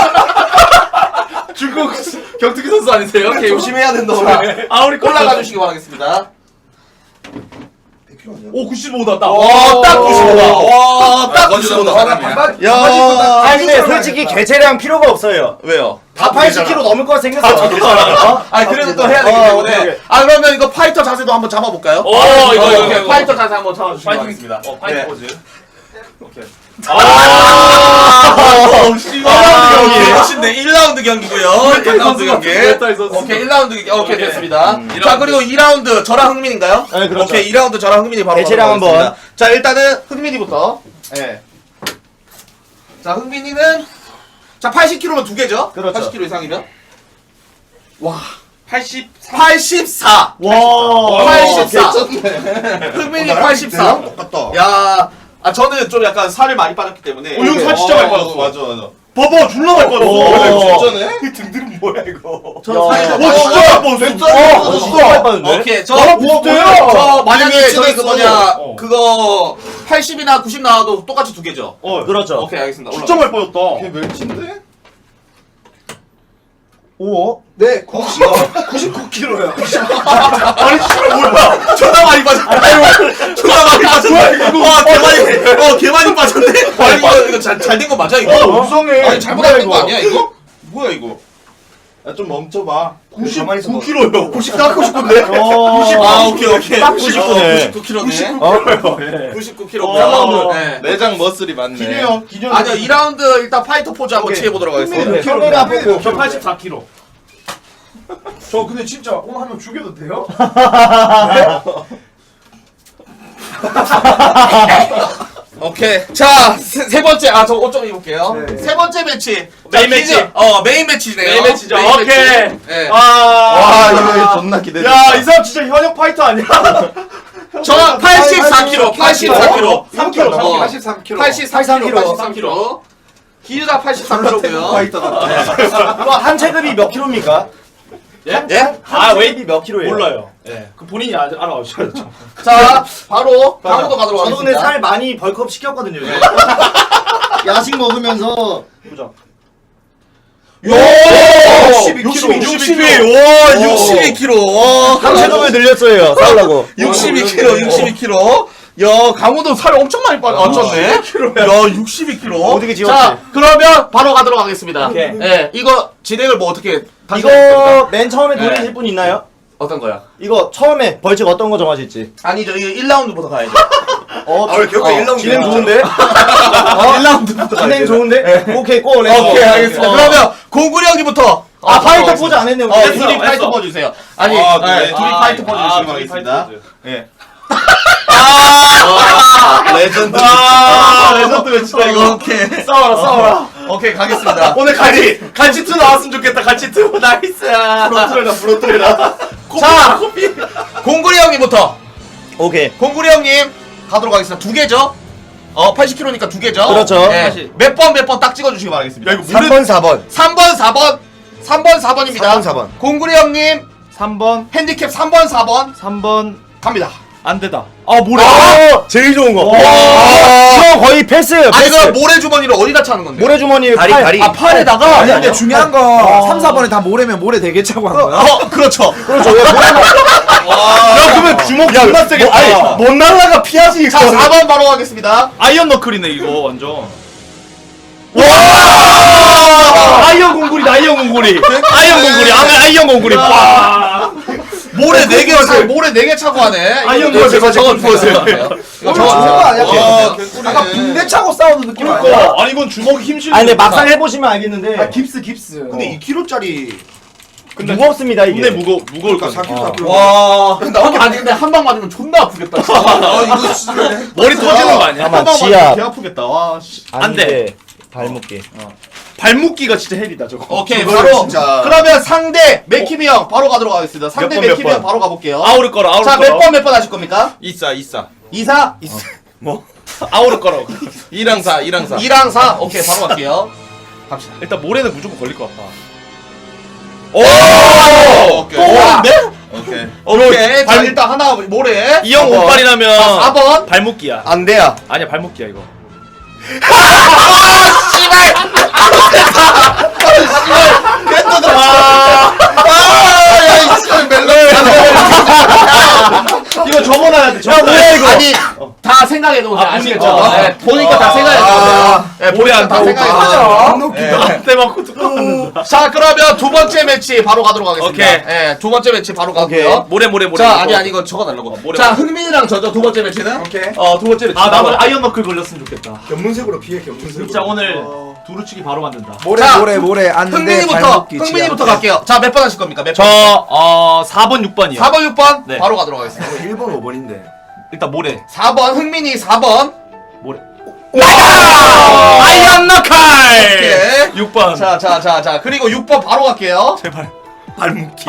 S2: 중국 격투기 선수 아니세요? 오케이,
S3: 조심해야 된다.
S2: 아우리 걸어
S3: 올라가 주시기 바라겠습니다.
S2: 오, 구십오다. 딱.
S3: 와, 딱 구십오다. 와, 딱
S4: 아,
S3: 구십오다.
S5: 야.
S1: 아니, 근데 솔직히 개체량 필요가 없어요.
S3: 왜요?
S1: 다 팔십 킬로그램 넘을 것 생겼어. 어?
S3: 아, 그래도 또 해야 되기
S1: 어,
S3: 때문에.
S1: 오케이, 오케이.
S3: 아, 그러면 이거 파이터 자세도 한번 잡아볼까요?
S2: 오, 이거, 이거,
S3: 오케이.
S2: 이거.
S3: 파이터 자세 한번 잡아주시기
S2: 파이팅
S3: 바라겠습니다.
S2: 어, 파이터
S3: 네.
S2: 포즈. 오케이.
S3: 아,
S2: 씨발.
S3: 일 라운드 경기. 일 라운드 경기고요. 일 라운드 경기.
S2: 메탈 선수.
S3: 오케이, 일 라운드 경기. 오케이,
S2: 오케이.
S3: 됐습니다.
S2: 음, 이
S3: 자,
S2: 라운드.
S3: 그리고 이 라운드 저랑 흥민인가요?
S1: 네, 그렇죠.
S3: 오케이, 이 라운드 저랑 흥민이 바로
S1: 개체량
S3: 가도록
S1: 한번.
S3: 하겠습니다. 자, 일단은 흥민이부터. 예. 자, 흥민이는 자, 팔십 킬로그램은 두 개죠?
S1: 그렇죠.
S3: 팔십 킬로그램 이상이면? 와,
S2: 팔십사.
S3: 팔십사.
S1: 와.
S3: 팔십사.
S4: 개쩐네.
S3: 흥민이 팔십사.
S4: 똑같다.
S3: 야, 아 저는 좀 약간 살을 많이 빠졌기 때문에.
S2: 어, 형 살 진짜 많이 빠졌어.
S4: 맞아, 맞아.
S2: 봐봐, 졸라 많이 빠졌어.
S1: 오.
S4: 진짜네?
S2: 등등 뭐야 이거?
S3: 저는
S1: 야.
S3: 살이 좀
S1: 와,
S3: 많이
S1: 진짜?
S3: 빠졌어요.
S4: 진짜?
S1: 어, 진짜 많이 빠졌네.
S3: 오케이, 저,
S2: 나랑 비슷해요.
S3: 저 만약에
S4: 이미
S3: 저기 그
S4: 친했어.
S3: 뭐냐,
S2: 어.
S3: 그거 팔십이나 구십 나와도 똑같이 두 개죠.
S2: 어,
S1: 그렇죠.
S3: 오케이, 알겠습니다.
S2: 진짜 많이 빠졌다.
S4: 걔 멸치인데?
S1: 오.
S5: 네, 구십, 구십구 킬로그램.
S2: 아니 씨발 뭐야?
S3: 존나 많이 빠졌네. 존나 많이 빠졌네. 와, 개 많이, 어, 개 많이 빠졌네. 아니, 이거, 이거 잘, 잘 된 거 맞아, 이거?
S2: 어, 무성해.
S3: 아니, 잘못된 거 아니야, 이거? 뭐야, 이거?
S4: 야, 좀 멈춰봐.
S2: 구십구 킬로요. 구십 깎고 싶은데.
S1: 어.
S3: 아, 오케이, 오케이.
S1: 딱 구십구네.
S3: 구십구 킬로네.
S1: 어?
S3: 구십구 킬로고요. 네.
S4: 내장 머슬이 많네.
S2: 기념 기념.
S3: 아니요, 이 라운드 일단 파이터 포즈 한번
S1: 오케이.
S3: 취해보도록 하겠습니다.
S1: 카메라 보고.
S2: 저 팔십사 킬로.
S5: 저 근데 진짜 오늘 한 명 죽여도 돼요?
S3: 오케이. 자, 세, 세 번째. 아, 저 옷 좀 입을게요.
S5: 네.
S3: 세 번째 매치.
S2: 메인
S3: 자,
S2: 매치.
S3: 기즈- 어, 메인 매치네요.
S2: 메인 매치죠.
S3: 메인
S2: 오케이.
S3: 매치. 네.
S2: 아.
S4: 와, 이거 존나 기대돼.
S2: 야, 이 사람 진짜 현역 파이터 아니야?
S3: 저 팔십사 킬로그램. 팔십사 킬로그램.
S2: 삼 킬로.
S3: 어.
S5: 팔십삼 킬로그램.
S3: 팔십삼 킬로그램.
S1: 팔십삼
S3: 팔십삼 킬로그램. 기즈가 팔십삼 킬로그램요.
S4: 파이터다.
S1: 이거 한 체급이 몇 킬로입니까?
S3: 예?
S1: 아, 웨이비 몇 킬로예요?
S2: 몰라요. 예. 그 본인이 아, 알아오셔야죠.
S3: 자, 바로 강호도 가도록
S1: 저도 근데
S3: 하겠습니다.
S1: 살 많이 벌크업 시켰거든요. 요즘. 야식 먹으면서 보자.
S3: 육십이
S2: 육십이
S3: 킬로그램.
S2: 육십이.
S3: 와, 육십이 킬로그램.
S1: 한 체급을 늘렸어요. 싸우려고.
S3: 육십이 킬로그램. 육십이 킬로그램. 야, 강호도 살 엄청 많이 빠졌네. 야, 육십이 킬로그램.
S1: 어떻게 지웠지?
S3: 자, 그러면 바로 가도록 하겠습니다.
S1: 오케이.
S3: 예, 이거 진행을 뭐 어떻게 다시
S1: 이거 맨 처음에
S3: 네.
S1: 돌리실 분 있나요?
S3: 어떤 거야?
S1: 이거 처음에 벌칙 어떤 거 정하실지.
S3: 아니죠, 이거 일 라운드부터 가야죠.
S1: 어,
S5: 아, 왜 결국에 일 라운드
S1: 진행
S5: 야.
S1: 좋은데? 어?
S3: 일 라운드부터
S1: 진행 좋은데? 오케이, 고! 렛츠고.
S3: 오케이, 알겠습니다.
S1: 어.
S3: 그러면 공구리 형님부터.
S1: 아,
S3: 어,
S1: 파이터
S3: 들어가겠습니다.
S1: 포즈 안 했네, 우리.
S3: 어,
S2: 했어,
S3: 둘이 파이터
S2: 했어.
S3: 포즈 주세요. 아니,
S4: 아,
S3: 네,
S4: 그래.
S3: 둘이
S2: 아,
S3: 파이터 포즈
S2: 아,
S3: 주시기
S2: 둘이
S3: 바라겠습니다.
S2: 파이터 포즈.
S3: 예.
S4: 레전드.
S2: 아, 레전드 매치다 이거.
S3: 오케이.
S2: 싸워라, 싸워라.
S3: 오케이, 가겠습니다.
S2: 오늘 같이 같이 투 나왔으면 좋겠다. 같이 투. 나이스. 프로트레라, 프로트레라.
S3: 자, 공구리 형님부터.
S1: 오케이.
S3: 공구리 형님 가도록 하겠습니다. 두 개죠? 어 팔십 킬로미터니까 두 개죠.
S1: 그렇죠.
S3: 몇 번 몇 번 딱 찍어주시기 바라겠습니다.
S2: 야 이거
S1: 삼 번 사 번.
S3: 삼 번 사 번 삼 번 사 번입니다.
S1: 삼 번 사 번.
S3: 공구리 형님
S2: 삼 번
S3: 핸디캡 삼 번 사 번
S2: 삼 번
S3: 갑니다.
S2: 안되다. 아 모래.
S1: 아, 제일 좋은 거. 이거 거의 패스예요.
S3: 아니
S1: 패스.
S3: 그 모래 주머니를 어디다 차는 건데?
S1: 모래주머니
S2: 다리,
S1: 팔.
S2: 다리.
S3: 아 팔에다가?
S5: 아니 근데 중요한 거 삼, 사 번에 다 모래면 모래 되게 차고 한 거야.
S3: 어 그렇죠.
S1: 그렇죠. 왜 모래?
S2: 야 그러면 주먹 존나 세겠다.
S1: 아니 못 날라가 피하지.
S3: 자 사 번 바로 가겠습니다.
S2: 아이언 너클이네 이거 완전.
S3: 와!
S2: 아이언 공구리 아이언 공구리. 아이언 공구리 아 아이언 공구리. 와.
S3: 모래 네 개 차, 모래 네 개 차고 하네.
S2: 아이언
S3: 이거
S2: 공구리
S3: 저거
S2: 제가
S3: 적어주세요.
S2: 적어주세요.
S3: 이거
S5: 저거 아니야?
S3: 와,
S5: 약간 붕대 차고 싸우는 느낌 아니야?
S2: 그러니까 아니 이건 주먹이 힘실려.
S1: 아니 근데 막상 해보시면 알겠는데
S5: 아 깁스 깁스.
S3: 근데 이 킬로짜리
S2: 근데
S1: 무겁습니다 이게.
S2: 근데 무거 무거울 거
S5: 사 킬로
S2: 같아.
S5: 사 킬로.
S3: 와. 나한테 아니 근데 한 방 맞으면 존나 아프겠다. 진짜.
S5: 아 이거 진짜.
S2: 머리 터지는 거 아니야?
S1: 아마
S2: 한방
S1: 지압.
S2: 맞으면 개 아프겠다. 와. 씨. 안 돼.
S1: 아닌데, 발목기.
S2: 발목기가 진짜 헬이다 저거.
S3: 오케이
S5: 이거
S3: 바로
S5: 진짜.
S3: 그러면 상대 맥키미 형 바로 가도록 하겠습니다. 상대
S2: 몇 번,
S3: 맥키미
S2: 몇
S3: 형
S2: 번?
S3: 바로 가볼게요.
S2: 아우를 거라 아우를
S3: 자
S2: 거라.
S3: 몇 번 몇 번 하실 겁니까?
S4: 이사 이사
S3: 이사
S2: 뭐? 아우를 거라.
S4: 이랑 사 이랑 사
S3: 이랑 사 오케이 바로 갈게요. 갑시다.
S2: 일단 모래는 무조건 걸릴 것 같다.
S3: 오!
S4: 오케이
S3: 또 오는데?
S4: 오케이
S3: 오케이. 자
S2: 발-
S3: 일단 하나 모래.
S2: 이 형
S3: 사 번.
S2: 운빨이라면
S3: 자, 사 번.
S2: 발목기야.
S1: 안 돼야.
S2: 아니야 발목기야 이거. 이거 접어놔야 돼. 접어놔야 돼.
S1: 이거.
S3: 아니 다 생각해 놓으세요.
S2: 아,
S3: 아시겠죠?
S2: 보니까.
S3: 네, 보니까 다 생각해 놓으세요. 네,
S2: 모래
S3: 보니까
S2: 안
S3: 다
S2: 타고
S3: 생각해
S2: 가.
S3: 놓으세요.
S5: 아,
S3: 네.
S2: 때 맞고 뚝
S3: 자 그러면 두 번째 매치 바로 가도록 하겠습니다.
S2: 오케이.
S3: 네, 두 번째 매치 바로
S1: 오케이.
S3: 가고요.
S2: 모래 모래 모래.
S3: 자 아니 아니 이거 적어달라고.
S2: 모래,
S3: 자
S2: 모래.
S3: 흥민이랑 저죠 두 번째 매치는.
S5: 오케이.
S3: 어두 번째 매치.
S2: 아 나도 아이언 너클 걸렸으면 좋겠다.
S5: 견문색으로 피해 견문색으로.
S2: 진짜 오늘
S5: 어.
S2: 두루치기 바로 만든다.
S5: 모래
S3: 자,
S5: 모래 모래 안돼
S3: 흥민이부터
S5: 발목기
S3: 흥민이부터
S5: 지압.
S3: 갈게요. 자 몇 번 하실 겁니까? 몇 번?
S2: 저어 사 번 육 번이요.
S3: 사 번 육 번
S2: 네.
S3: 바로 가도록 하겠습니다.
S5: 일 번 오 번인데.
S2: 일단 모래.
S3: 사 번 흥민이 사 번.
S2: 모래. 아이언 너클.
S3: 오케이.
S2: 육 번.
S3: 자 자 자 자 그리고 육 번 바로 갈게요.
S2: 제발 발목기.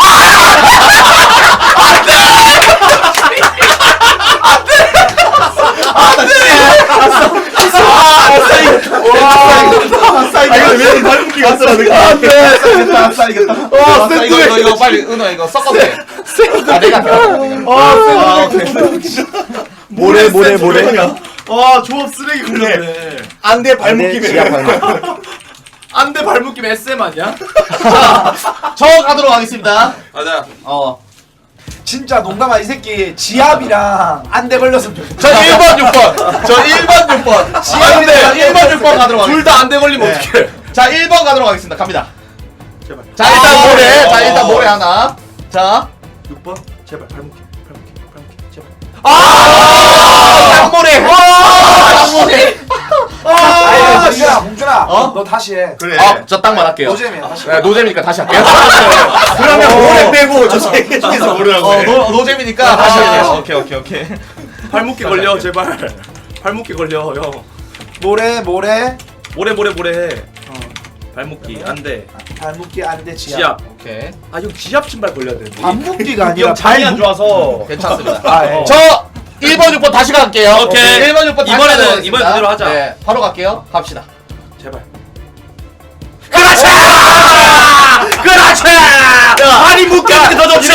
S2: 아 이거 왜 발목기가 왔어?
S5: 아싸 이겼다.
S3: 와, 이거, 이거, 이거 빨리, 은호, 이거 섞어도 돼. 아, 내가 할게.
S2: 아,
S1: 모래 모래 모래.
S2: 와 조합 쓰레기 걸렸네.
S3: 안돼,
S1: 발목기 지압 발목.
S2: 안돼 발목기 에스엠 아니야?
S3: 저 가도록 하겠습니다.
S4: 맞아
S3: 어.
S5: 진짜 농담아 이 새끼 지압이랑 안대 걸렸으면 좋겠다.
S3: 저 일 번, 육 번. 저 일 번, 육 번. 지압인데, 일 번, 육 번 가도록 하겠습니다.
S2: 둘 다 안돼 걸리면
S3: 네.
S2: 어떡해?
S3: 자, 일 번 가도록 하겠습니다. 갑니다.
S2: 제발.
S3: 자, 일단
S2: 아,
S3: 모래.
S2: 네.
S3: 자, 일단
S2: 어.
S3: 모래 하나. 자.
S2: 육 번 제발 발목기 발목기 발목기 제발.
S3: 아! 양모래! 양모래!
S5: 아, 봉준아, 봉준아,
S3: 어?
S5: 너 다시 해.
S2: 그래.
S3: 어, 저 딱만 할게요.
S5: 노잼이야, 다시.
S3: 네, 노잼이니까 다시 할게요.
S2: 그러면 모래 빼고 저
S3: 어.
S2: 세 개 중에서 모래라고
S3: 어,
S2: 해.
S3: 노, 노잼이니까 다시 할게요.
S2: 오케이 오케이 오케이. 발목기 걸려 제발. 발목기 걸려 형.
S5: 모래 모래
S2: 모래 모래 모래 해. 발목기 안돼.
S5: 발목기 안대 지압.
S2: 지압.
S3: 오케이.
S2: 아 형 지압 신발 걸려야 돼.
S5: 발목기가
S2: 이
S5: 아니라
S2: 형 장이 안
S5: 발목.
S2: 좋아서.
S3: 괜찮습니다.
S5: 아, 예.
S2: 어.
S3: 저 일 번, 육 번 다시 갈게요.
S2: 오케이.
S3: 일 번, 육 번 다시
S2: 이번에는-
S3: 가도록 하겠습니다.
S2: 이번엔 그대로 하자.
S3: 네, 바로 갈게요. 갑시다.
S2: 제발. 그렇지! 그렇지! 발이 묶여는 게더 좋지!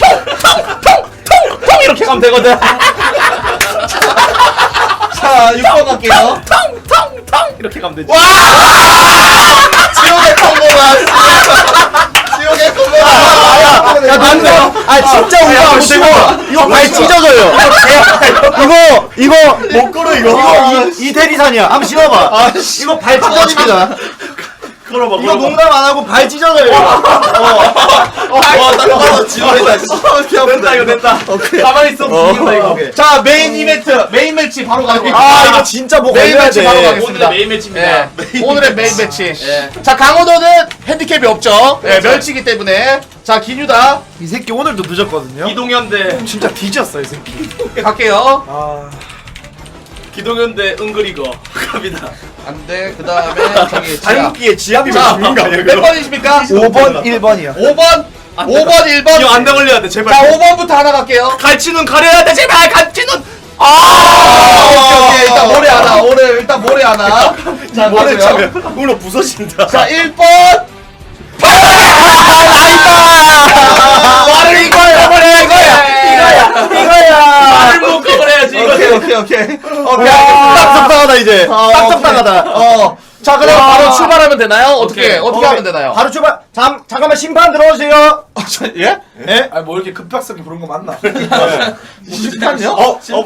S3: 통 이렇게 가면 되거든. 자, 육 번 갈게요.
S2: 텅텅텅 이렇게 가면 되지.
S3: 와! 지옥의 통보가. 지옥의 통보가.
S1: 야 남자. 아 진짜 우리가 안 쉬워. 이거 발 찢어져요. 이거 이거 못 걸어 이거. 이거 이- 이태리산이야. 한번 신어봐. 이거 발 찢어집니다.
S2: 걸어봐,
S1: 이거
S2: 걸어봐.
S1: 농담 안 하고 발 찢어져요.
S2: 와, 딱 지원이다. 됐다, 이거 됐다. 가만히 있어, 죽인다, 이거.
S3: 자, 메인 이벤트, 메인 매치 바로 가도록
S1: 아
S3: 하겠습니다.
S1: 이거 진짜 뭐
S3: 메인
S1: 걸려야
S3: 매치 바로
S1: 돼.
S3: 가겠습니다.
S2: 오늘의 메인 매치입니다.
S3: 예, 오늘의 메인 매치.
S2: 예.
S3: 자, 강호도는 핸디캡이 없죠. 예,
S2: 그렇죠.
S3: 멸치기 때문에. 자, 기뉴다.
S5: 이 새끼 오늘도 늦었거든요.
S2: 이동현 대,
S5: 진짜 뒤졌어 이 새끼.
S3: 갈게요.
S5: 아
S2: 기동현 대 은그리거. 갑니다.
S3: 안 돼. 그 다음에 저기 지압.
S1: 발목기에 지압이
S3: 자,
S1: 죽는 거 아니야?
S3: 몇 번이십니까?
S5: 오 번 일 번이야.
S3: 오 번, 오 번, 일 번.
S2: 이거 안돼 걸려야 돼, 제발.
S3: 자, 오 번부터 하나 갈게요.
S2: 갈치눈 가려야 돼, 제발! 갈치눈!
S3: 아, 오케이, 오케이. 일단 모래 하나. 오늘 일단 모래 하나. 자,
S4: 모래
S3: 가고요.
S4: 차면 물로 부서진다.
S3: 자, 일 번. 말을 이거야, 말을 이거야.
S1: 이거야.
S2: 말을 못 꺼버려야지 이거.
S3: 오케이, 오케이, 오케이. 오케이.
S1: 딱 적당하다 이제.
S3: 어,
S1: 딱
S3: 오케이.
S1: 적당하다.
S3: 어. 자, 그럼
S1: 와.
S3: 바로 출발하면 되나요? 어떻게,
S2: 오케이.
S3: 어떻게
S1: 오케이.
S3: 하면 되나요?
S1: 바로 출발. 잠 잠깐만 심판 들어오세요.
S3: 예?
S1: 예?
S5: 아니 뭐 이렇게 급박하게 부른 거 맞나?
S3: 심판요?
S1: 어, 어,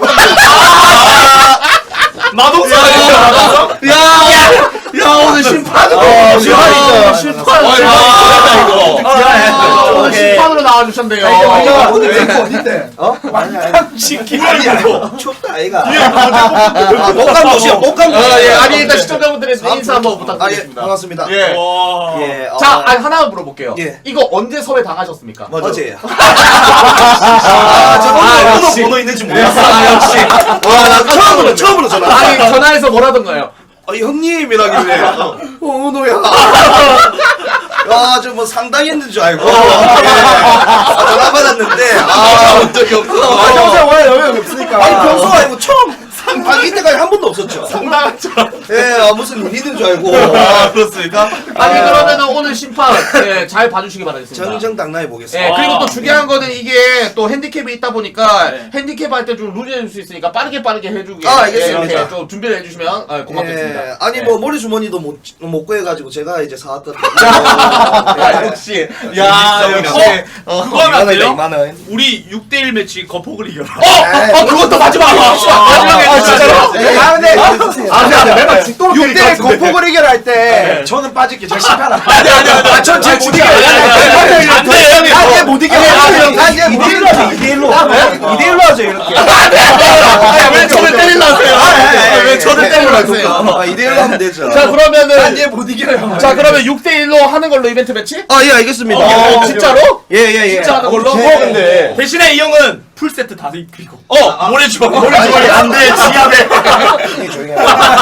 S2: 마동석
S3: 야, 야, 오늘 심판.
S1: 어, 심판이죠.
S3: 심판.
S2: 어,
S3: 아,
S2: 이거.
S3: 아, 오늘
S1: 오케이.
S3: 심판으로 나와주셨네요.
S5: 아이가
S1: 어,
S5: 어디 거 어딘데? 어?
S4: 춥다 아이가.
S3: 목감 도시요, 목감 도시. 예, 아니, 일단 시청자분들에서 인사 한번
S4: 아, 예,
S3: 부탁드리겠습니다.
S4: 반갑습니다.
S3: 예.
S2: 와.
S4: 예, 어,
S3: 자, 아니, 하나만 물어볼게요.
S4: 예.
S3: 이거 언제 섭외 당하셨습니까?
S4: 어제요.
S3: 아, 저
S4: 아,
S3: 번호
S4: 번호 있는지 몰랐어.
S3: 아, 역시.
S4: 와, 나 처음으로 처음으로 전화.
S3: 아니, 전화해서 뭐라던가요?
S4: 어, 형님이라길래. 어, 은호야. 야, 저 뭐 상당했는 줄 알고. 예. 아, 전화 받았는데. 아, 본 적이 없어.
S5: 아, 평소에 원래 영향이 없으니까.
S4: 아니, 평소 아니고 처음. 아, 이때까지 한 번도 없었죠.
S3: 상당한 줄 알았어.
S4: 예, 아, 무슨 일이든 줄 알고.
S3: 아, 그렇습니까? 아니, 그러면은 오늘 심판, 예, 잘 봐주시기 바라겠습니다.
S4: 정정당당해 보겠습니다.
S3: 예, 그리고 또
S2: 아,
S3: 중요한 거는 이게 또 핸디캡이 있다 보니까
S2: 네.
S3: 핸디캡 할 때 좀 룰이 해줄 수 있으니까 빠르게 빠르게 해주게.
S4: 아, 알겠습니다.
S3: 예, 이렇게 좀 준비를 해주시면 아, 고맙겠습니다.
S4: 예, 아니
S3: 예.
S4: 뭐 머리 주머니도 못 못 구해가지고 제가 이제 사왔거든요.
S3: 야, 역시. 야, 역시. 어,
S2: 그거 하면 안 돼요?
S4: 이만 원.
S2: 우리 육 대 일 매치 거폭을 이겨라.
S3: 어, 어, 그것도 마지막. 마지막에
S5: 아, 진짜로?
S3: 예.
S5: 아, 근데
S1: 아, 근데 안 돼. 맨날 죽도록
S5: 육 대
S1: 때릴 것 같은데.
S5: 거폭을 이겨라 할 때 저는 빠질게. 저 심판 안
S2: 아니 아니 아니.
S5: 아, 전 제일 못 이겨요.
S2: 안 돼, 형님.
S5: 난 얘 못 이겨요. 난 얘 못
S1: 이 대 일로 하죠.
S5: 이겨요.
S1: 이 대 일로. 이 대 일로 하죠 이렇게.
S3: 왜 저를 때리려 하세요? 왜 저를 때리려 하세요?
S4: 아, 이대로 하면 되죠.
S3: 자, 그러면은.
S5: 난 얘 못 이겨요.
S3: 자, 그러면 육 대 일로 하는 걸로 이벤트 매치?
S4: 아, 예, 알겠습니다.
S3: 어, 진짜로?
S4: 예, 예, 예.
S3: 진짜 하는 걸로?
S1: 어, 근데.
S2: 대신에 이 형은 풀 세트 다 입히고. 어, 모래 주머니. 모래
S4: 주머니 안
S2: 돼. 지압에.
S4: 조용히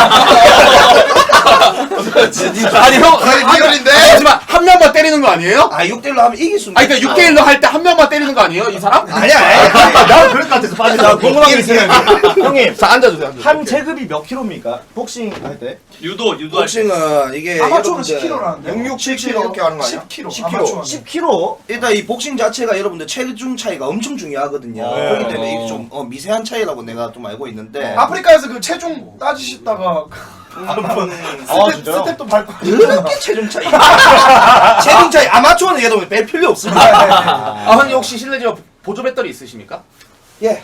S3: 아니, 형.
S4: 아니, 리얼인데?
S3: 하지만 한 명만 때리는 거 아니에요?
S4: 아, 육 대 일로 하면 이길 수 있는.
S3: 아니, 그러니까 육 대 일로 할 때 한 명만 때리는 거 아니에요? 이 사람?
S4: 아니야, 아니야.
S1: 나 그럴 것 같아서 빠진다. 궁금한 게 있어요. 형님.
S3: 자, 앉아주세요. 앉아주세요.
S1: 한 체급이 몇 킬로입니까? 복싱 할 때?
S2: 유도 유도 할 때.
S4: 복싱은 이게
S5: 아마추어는
S4: 여러분들
S5: 십 킬로라는데.
S4: 육, 칠 킬로 이렇게 하는 거 아니야?
S5: 십 킬로.
S1: 십 킬로. 십 킬로?
S4: 일단 이 복싱 자체가 여러분들 체중 차이가 엄청 중요하거든요.
S3: 어.
S4: 그렇기 때문에 이게 좀 어, 미세한 차이라고 내가 좀 알고 있는데.
S5: 아프리카에서 그 체중 따지시다가
S1: 아,
S5: 스텝,
S1: 진짜요?
S5: 스텝도 밟고
S4: 그렇게 체중 차이. 체중 차이 아마추어는 얘도 뺄 필요 없습니다.
S3: 아, 형님 혹시 실례지만 보조 배터리 있으십니까?
S4: 예.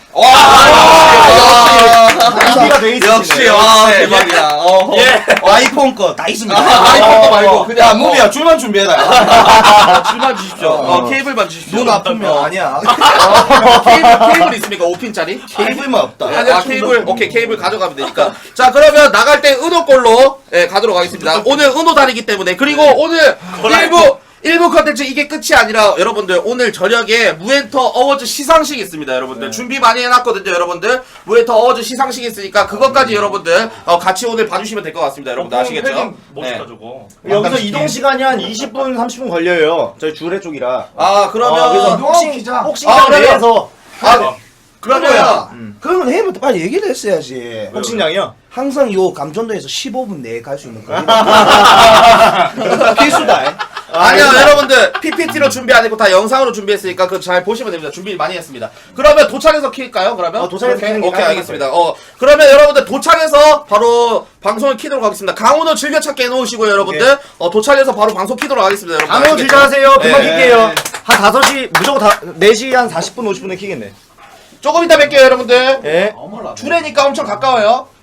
S1: 준비가 돼 있으시네.
S3: 역시, 와, 대박이야. 어,
S2: 예.
S4: 아이폰 거 다 있습니다.
S3: 아이폰도 말고 그냥
S4: 야, 무비야 줄만 준비해라.
S3: 줄만 주십시오. 어, 케이블만 주십시오.
S4: 눈 아프면 아니야.
S3: 케이블, 케이블 있습니까? 오 핀짜리?
S4: 케이블만 없다.
S3: 아, 케이블. 오케이, 케이블 가져가면 되니까. 자, 그러면 나갈 때 은호 걸로 예, 가도록 하겠습니다. 오늘 은호 다리기 때문에. 그리고 오늘 일부 일부 컨텐츠 이게 끝이 아니라 여러분들 오늘 저녁에 무엔터 어워즈 시상식이 있습니다. 여러분들 준비 많이 해놨거든요. 여러분들 무엔터 어워즈 시상식이 있으니까 그것까지 여러분들 어, 같이 오늘 봐주시면 될 것 같습니다. 여러분들 아시겠죠?
S2: 멋있다
S3: 네.
S2: 저거.
S1: 여기서 이동 시간이 한 이십 분, 삼십 분 걸려요. 저희 주례 쪽이라.
S3: 아, 그러면
S1: 어, 그래서
S5: 이동하고
S1: 복싱,
S5: 기자.
S1: 복싱장
S3: 아, 그러면-
S1: 내에서
S3: 아,
S4: 그러면
S1: 음.
S4: 그러면 해면 빨리 얘기를 했어야지.
S1: 복싱장이요?
S4: 항상 요 감전도에서 십오 분 내에 갈 수 있는 거예요. 필수다.
S3: 아니요, 여러분들 피피티로 준비 안 했고 다 영상으로 준비했으니까 그거 잘 보시면 됩니다. 준비 많이 했습니다. 그러면 도착해서 킬까요? 그러면?
S1: 어, 도착해서
S3: 오케이,
S1: 키는 게
S3: 오케이,
S1: 가능할
S3: 알겠습니다. 어, 그러면 여러분들 도착해서 바로 방송을 키도록 하겠습니다. 강원도 즐겨찾기 해놓으시고요, 여러분들. 어, 도착해서 바로 방송 키도록 하겠습니다, 여러분.
S1: 아무
S3: 아시겠죠?
S1: 질문하세요. 금방
S3: 네.
S1: 킬게요. 한 다섯 시, 무조건 다, 네 시 한 사십 분, 오십 분에 키겠네.
S3: 조금 이따 뵐게요, 여러분들.
S1: 예.
S3: 주례니까 엄청 가까워요.